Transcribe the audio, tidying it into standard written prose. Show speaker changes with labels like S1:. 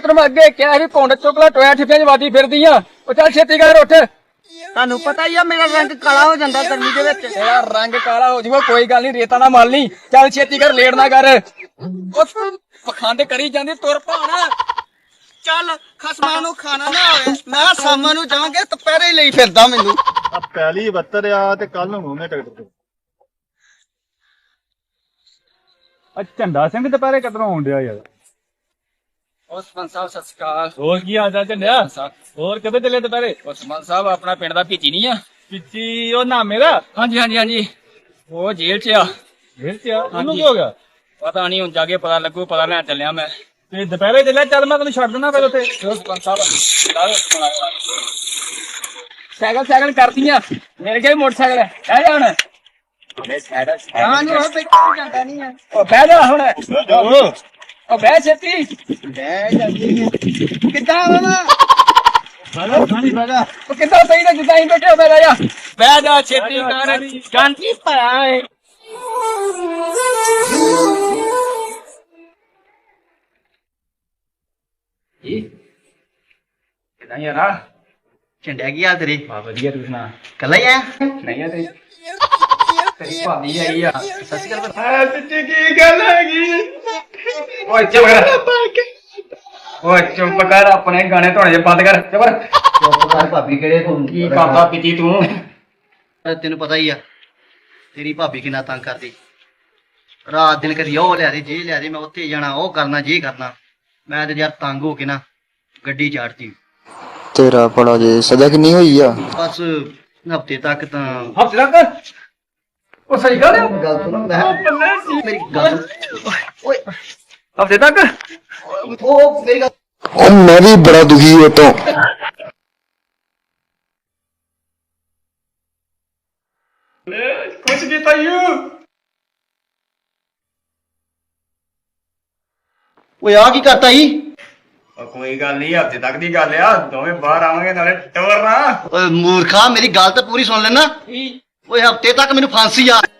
S1: ਤੈਨੂੰ ਮੈਂ ਅੱਗੇ ਕਿਹਾ ਸੀ ਕੁੰਡ ਚੁੱਕਲਾ ਟੋਇਆ ਠਿੱਪਿਆਂ 'ਚ ਵਾਦੀ ਫਿਰਦੀ ਆ। ਉਹ ਚੱਲ ਛੇਤੀ ਕਰ ਉੱਠ।
S2: ਤੁਹਾਨੂੰ ਪਤਾ ਹੀ ਆ ਮੇਰਾ ਰੰਗ ਕਾਲਾ ਹੋ ਜਾਂਦਾ ਗਰਮੀ ਦੇ ਵਿੱਚ।
S1: ਤੇਰਾ ਰੰਗ ਕਾਲਾ ਹੋ ਜਾਊਗਾ, ਕੋਈ ਗੱਲ ਨਹੀਂ, ਰੇਤਾ ਨਾ ਮਲ ਲਈ। ਚੱਲ ਛੇਤੀ ਕਰ, ਲੇਟ ਨਾ ਕਰ। ਉਹ ਪਖੰਡ ਕਰੀ ਜਾਂਦੀ, ਤੁਰ ਭਾਣ।
S2: ਚੱਲ ਖਸਮਾਂ ਨੂੰ ਖਾਣਾ ਨਾ ਹੋਵੇ, ਮੈਂ ਸ਼ਾਮਾਂ ਨੂੰ ਜਾਵਾਂਗੇ ਦੁਪਹਿਰੇ ਲਈ ਫਿਰਦਾ ਮੈਨੂੰ।
S3: ਆ ਪਹਿਲੀ 72 ਆ ਤੇ ਕੱਲ ਨੂੰ ਹੋਣੇ ਟਿਕਟ ਤੇ। ਆ ਝੰਡਾ ਸਿੰਘ ਦੁਪਹਿਰੇ ਕਦੋਂ ਆਉਣ ਡਿਆ ਯਾਰ?
S1: ਉਹ ਸਰਪੰਚ ਸਾਹਿਬ ਸਤਿ ਸ਼੍ਰੀ ਅਕਾਲ।
S3: ਹੋਰ ਕੀ ਹਾਲ ਚਾਲ ਝੰਡਿਆ? ਹੋਰ ਕਿੱਥੇ ਚੱਲੇ ਦੁਪਹਿਰੇ?
S1: ਉਹ ਸਰਪੰਚ ਸਾਹਿਬ ਆਪਣਾ ਪਿੰਡ ਦਾ ਭੀਚੀ ਨਹੀਂ ਆ?
S3: ਪਿੱਛੀ ਉਹ ਨਾ ਮੇਰਾ
S1: ਹਾਂਜੀ ਹਾਂਜੀ ਹਾਂਜੀ, ਉਹ ਜੇਲ੍ਹ 'ਚ ਆ।
S3: ਜੇਲ੍ਹ 'ਚ ਆ? ਉਹਨੂੰ ਕੀ ਹੋ ਗਿਆ?
S1: ਪਤਾ ਨਹੀਂ, ਹੁਣ ਜਾ ਕੇ ਪਤਾ ਲੱਗੂ। ਪਤਾ ਲੈਣ ਚੱਲਿਆ ਮੈਂ।
S3: ਤੇ ਦੁਪਹਿਰੇ ਚੱਲਿਆ, ਚੱਲ ਮੈਂ ਤੈਨੂੰ ਛੱਡ ਦਿੰਦਾ ਫਿਰ ਉੱਥੇ।
S1: ਸਰਪੰਚ ਸਾਹਿਬ ਸਾਈਕਲ ਕਰਦੀਆਂ ਮੇਰੇ ਕੋਲ ਮੋਟਰਸਾਈਕਲ ਹੈ। ਬਹਿ ਜਾ ਹੁਣ।
S2: ਹਾਂ ਨੂੰ ਉਹ ਬੈਠਾ ਜਾਂਦਾ ਨਹੀਂ ਆ।
S1: ਉਹ ਬਹਿ ਜਾ ਹੁਣ। ਉਹ ਬਹਿ ਛੇਤੀ।
S2: ਬਹਿ ਜਾਂਦੀ ਆ। ਕਿੱਦਾਂ ਆਵਾਂ?
S1: ਉਹ ਕਿੱਦਾਂ ਸਹੀ ਤਾਂ ਜਿੱਦਾਂ ਹੀ ਬੈਠੇ ਹੋ, ਬਹਿ ਜਾ। ਬਹਿ ਜਾ ਛੇਤੀ ਕਰ। ਗਾਂਧੀ ਪਾਇਆ ਏ। ਕਿਦਾਂ ਯਾਰਾ?
S2: ਝੰਡਿਆ ਕੀ ਹਾਲ ਤੇਰੇ?
S1: ਬਾ ਵਧੀਆ, ਤੂੰ ਸੁਣਾ?
S2: ਕੱਲਾ ਹੀ ਆ?
S1: ਨਹੀਂ ਆ ਤੇਰੀ ਭਾਬੀ ਆਈ ਆ।
S2: ਸਤਿ ਸ਼੍ਰੀ ਅਕਾਲ।
S1: ਸੱਚੀ ਕੀ ਗੱਲ ਹੈਗੀ? ਓਏ ਚੁੱਪ ਕਰ। ਓਏ ਚੁੱਪ ਕਰ, ਆਪਣੇ ਗਾਣੇ ਧੋਣੇ ਜੇ ਬੰਦ ਕਰ। ਚੁੱਪ ਕਰ।
S2: ਚੁੱਪ ਕਰ, ਭਾਬੀ ਕਿਹੜੇ ਤੂੰ?
S1: ਕੀ ਕਰਦਾ ਪੀਤੀ ਤੂੰ?
S2: ਤੈਨੂੰ ਪਤਾ ਹੀ ਆ ਤੇਰੀ ਭਾਬੀ ਕਿੰਨਾ ਤੰਗ ਕਰਦੀ। ਰਾਤ ਦਿਨ ਕਦੀ ਉਹ ਲਿਆ ਦੇ, ਜੇ ਲਿਆ ਦੇ, ਮੈਂ ਉੱਥੇ ਜਾਣਾ, ਉਹ ਕਰਨਾ, ਜੇ ਕਰਨਾ। ਮੈਂ ਤੇ ਯਾਰ ਤੰਗ ਹੋ ਕੇ ਨਾ ਗੱਡੀ ਚਾੜਤੀ।
S4: ਤੇਰਾ ਭਲਾ ਜੇ ਸਜ਼ਾ ਕਿੰਨੀ ਹੋਈ ਆ?
S2: ਬਸ ਹਫਤੇ ਤੱਕ ਤਾਂ।
S1: ਹੱਥ ਰੱਖ। ਉਹ ਸਹੀ ਗੱਲ ਹੈ।
S2: ਗੱਲ ਸੁਣ, ਮੇਰੀ ਗੱਲ ਓਏ।
S1: ਹਫਤੇ ਤੱਕ?
S2: ਉਹ ਮੇਰੀ ਗੱਲ।
S4: ਉਹ ਮੈਂ ਵੀ ਬੜਾ ਦੁਖੀ ਹਾਂ ਤੋਂ।
S1: ਕੁਛ ਕੀਤਾ ਯੂ?
S2: ਓਏ ਆ ਕੀ ਕਰਤਾ ਈ?
S1: ਕੋਈ ਗੱਲ ਨਹੀਂ, ਹਫਤੇ ਤੱਕ ਦੀ ਗੱਲ ਆ। ਦੋਵੇਂ ਬਾਹਰ ਆਵਾਂਗੇ, ਨਾਲੇ ਟੋਰਨਾ।
S2: ਓਏ ਮੂਰਖਾ, ਮੇਰੀ ਗੱਲ ਤਾਂ ਪੂਰੀ ਸੁਣ ਲੈਣਾ। ਓਏ ਹਫਤੇ ਤੱਕ ਮੈਨੂੰ ਫਾਂਸੀ ਆ।